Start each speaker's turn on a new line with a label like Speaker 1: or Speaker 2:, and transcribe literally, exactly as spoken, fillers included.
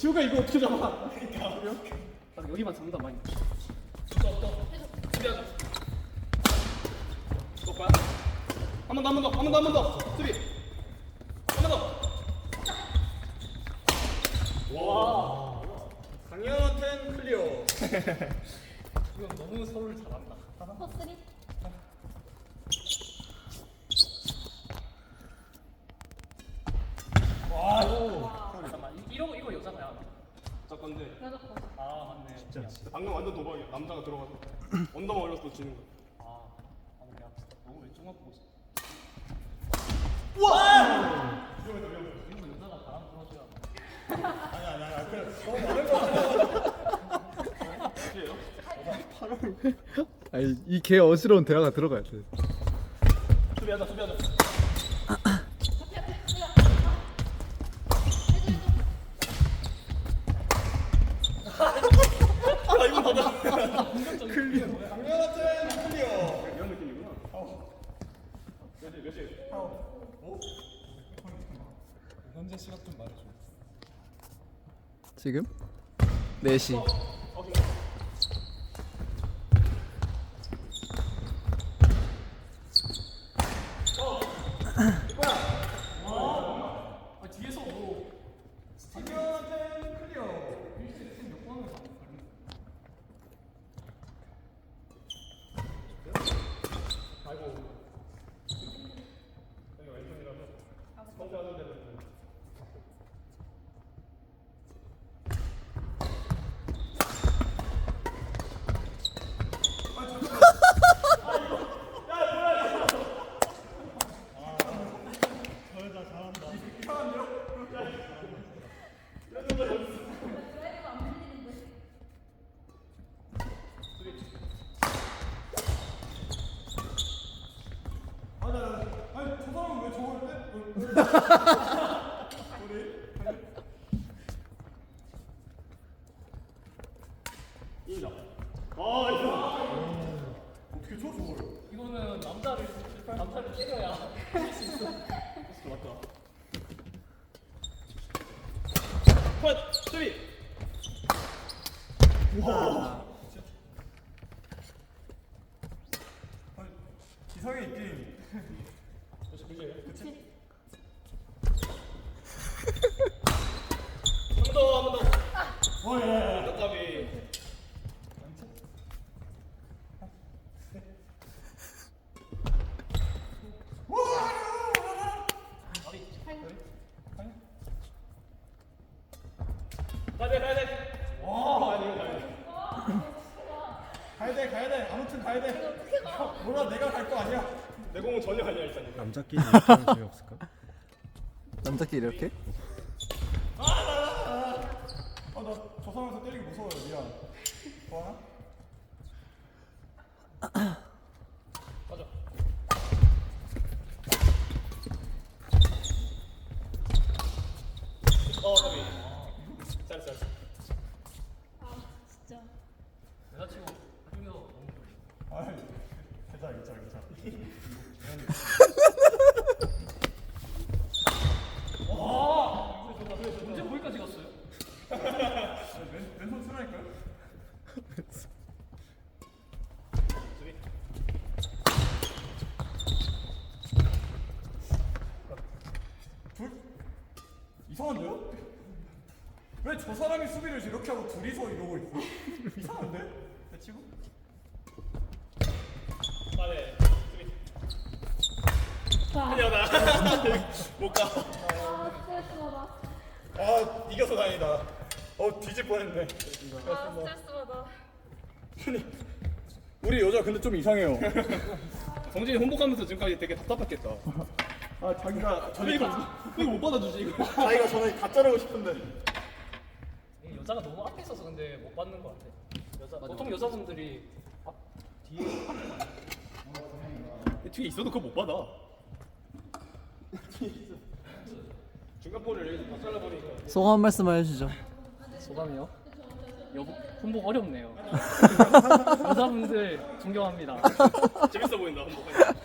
Speaker 1: 지우가 이거 어떻게 잡아?
Speaker 2: 나 여기만 잡는다 많이.
Speaker 1: 수비하자. 또 거야? 한 번 더, 한 번 더, 한 번 더, 한 번 더. 수비. 한 번 더. 와. 강현한텐 클리어.
Speaker 2: 이건 너무 서로를 잘한다.
Speaker 3: 포스리.
Speaker 1: 와.
Speaker 2: 잠깐만 이- 이거 이거 여자가야.
Speaker 1: 자 건데.
Speaker 3: 여자 포스.
Speaker 2: 아 맞네. 진짜.
Speaker 1: 방금 완전 도박이야. 남자가 들어가서 언더만 올렸어 지는 거.
Speaker 2: 아, 아 내가 진짜 너무 왼쪽만 보고 있어.
Speaker 1: 와!
Speaker 2: 이거 여자가 바람 불어줘야.
Speaker 1: 아니 아니 아니. 그래. 너무 많은 거 같아.
Speaker 4: 아니 이 개 어지러운 대화가 들어가야 돼.
Speaker 1: 수비하자, 수비하자. 아 이건 맞아. 클리어. 강현한텐 클리어. 이런 느낌이구나. 몇 시? 몇 시? 오?
Speaker 5: 현재 시각 좀 말해줘.
Speaker 4: 지금 네 시.
Speaker 2: 아 뒤에서 뭐
Speaker 1: 강현한텐 클리어.
Speaker 2: 몇 번을 가.
Speaker 1: 아이고. 여기 왼쪽이라서 성공하는 데는.
Speaker 5: 아니 아니 저 사람은 왜 저걸 빼?
Speaker 1: 인정. 아 이거.
Speaker 5: 어떻게 쳐 저걸?
Speaker 2: 이거는 남자를 남자를 때려야 할 수 있어.
Speaker 1: 맞다. 컷! 수비! 와.
Speaker 5: 아니 기상에 있긴.
Speaker 1: 그치, 그치.
Speaker 3: 그치.
Speaker 1: 한 번 더, 한 번 더.
Speaker 5: 와 야.
Speaker 1: 답답이. 가야 돼, 가야 돼.
Speaker 5: 와.
Speaker 1: 가야 돼, 가야 돼.
Speaker 5: 가야 돼 가야 돼. 아무튼 가야 돼. 몰라 내가 갈 거 아니야.
Speaker 1: 내 공은 전혀 아니야, 일단.
Speaker 6: 남자끼리 이렇게 하면 재미없을까?
Speaker 4: 남자끼리 이렇게?
Speaker 5: 아나 저 사람에서 때리기 무서워요. 미안. 좋아나?
Speaker 1: 맞아. 어, 답이. 잘했어, 잘했어.
Speaker 3: 아 진짜.
Speaker 2: 여자치고 한국에서 너무 좋아.
Speaker 5: 아이 괜찮아 괜찮아 괜찮아.
Speaker 2: 와! 언제 거기까지 갔어요?
Speaker 5: 왼 왼손 쓰라니까요?
Speaker 1: 수비.
Speaker 5: 둘 이상한데요? 왜 저 사람이 수비를 이렇게 하고 둘이서 이러고 있어? 이상한데? 대치고?
Speaker 1: 아, 네. 수비.
Speaker 3: 아,
Speaker 1: 클리어다. 못 가.
Speaker 3: 아 스트레스 받아.
Speaker 5: 아 이겨서 다행이다. 어 뒤질 뻔했네.
Speaker 3: 아 스트레스 받아.
Speaker 5: 우리 여자 근데 좀 이상해요.
Speaker 1: 정진이 홍보하면서 지금까지 되게 답답했겠다.
Speaker 5: 아 자기가 전에
Speaker 1: 이거 이거 못 받아주지 이거.
Speaker 5: 자기가 전에 다 자르고 싶은데.
Speaker 2: 이게 여자가 너무 앞에 있어서 근데 못 받는 것 같아. 여자 보통 여자분들이 앞 뒤에
Speaker 1: 뒤에 있어도 그거 못 받아. 중간 볼을 여기서 다 잘라버리니까.
Speaker 4: 소감 한 말씀만 해주죠.
Speaker 2: 소감이요? 여보 홍보 어렵네요. 여자분들 존경합니다.
Speaker 1: 재밌어 보인다 홍보가.